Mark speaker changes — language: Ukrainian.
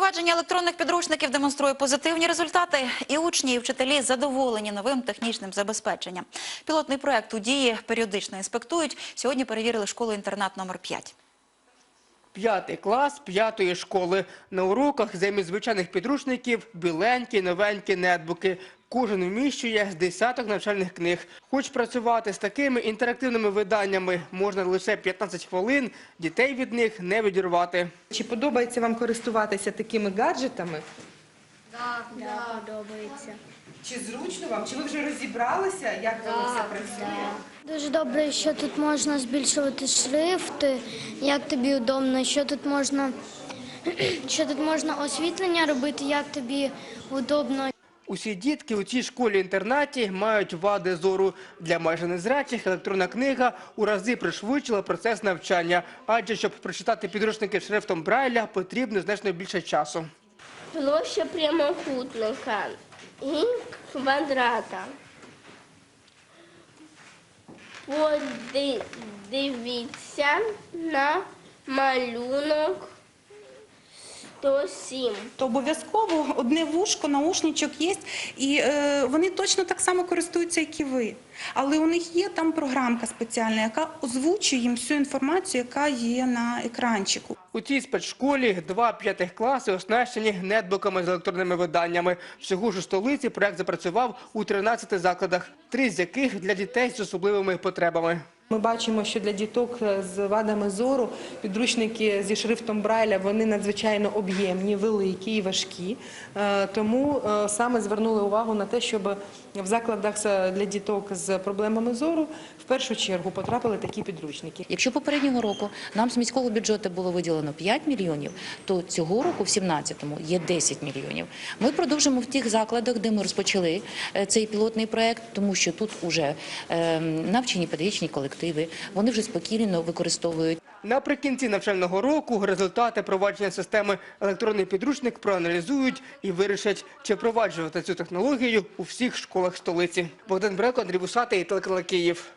Speaker 1: Впровадження електронних підручників демонструє позитивні результати. І учні, і вчителі задоволені новим технічним забезпеченням. Пілотний проект у дії періодично інспектують. Сьогодні перевірили школу-інтернат номер 5.
Speaker 2: 5 клас 5-ї школи. На уроках замість звичайних підручників – біленькі, новенькі нетбуки. Кожен вміщує з десяток навчальних книг. Хоч працювати з такими інтерактивними виданнями можна лише 15 хвилин, дітей від них не відірвати.
Speaker 3: Чи подобається вам користуватися такими гаджетами?
Speaker 4: Так, подобається.
Speaker 3: Чи зручно вам? Чи ви вже розібралися, як воно все працює?
Speaker 4: Дуже добре, що тут можна збільшувати шрифти, як тобі удобно, що тут можна освітлення робити, як тобі удобно.
Speaker 2: Усі дітки у цій школі-інтернаті мають вади зору. Для майже незрячих електронна книга у рази пришвидшила процес навчання. Адже, щоб прочитати підручники шрифтом Брайля, потрібно значно більше часу.
Speaker 5: Площа прямокутника і квадрата. Подивіться на малюнок 107.
Speaker 6: То обов'язково одне вушко, наушничок є, і вони точно так само користуються, як і ви. Але у них є там програмка спеціальна, яка озвучує їм всю інформацію, яка є на екранчику.
Speaker 2: У цій спецшколі 2 5 класи оснащені нетбуками з електронними виданнями. Всього ж у столиці проект запрацював у 13 закладах, 3 з яких для дітей з особливими потребами.
Speaker 3: Ми бачимо, що для діток з вадами зору підручники зі шрифтом Брайля, вони надзвичайно об'ємні, великі і важкі. Тому саме звернули увагу на те, щоб в закладах для діток з проблемами зору в першу чергу потрапили такі підручники.
Speaker 7: Якщо попереднього року нам з міського бюджету було виділено 5 мільйонів, то цього року, в 2017-му, є 10 мільйонів. Ми продовжимо в тих закладах, де ми розпочали цей пілотний проект, тому що тут вже навчені педагогічні колективи, вони вже спокійно використовують.
Speaker 2: Наприкінці навчального року результати провадження системи електронний підручник проаналізують і вирішать, чи впроваджувати цю технологію у всіх школах столиці. Богдан Бреко, Андрій Вусатий, телеканал Київ.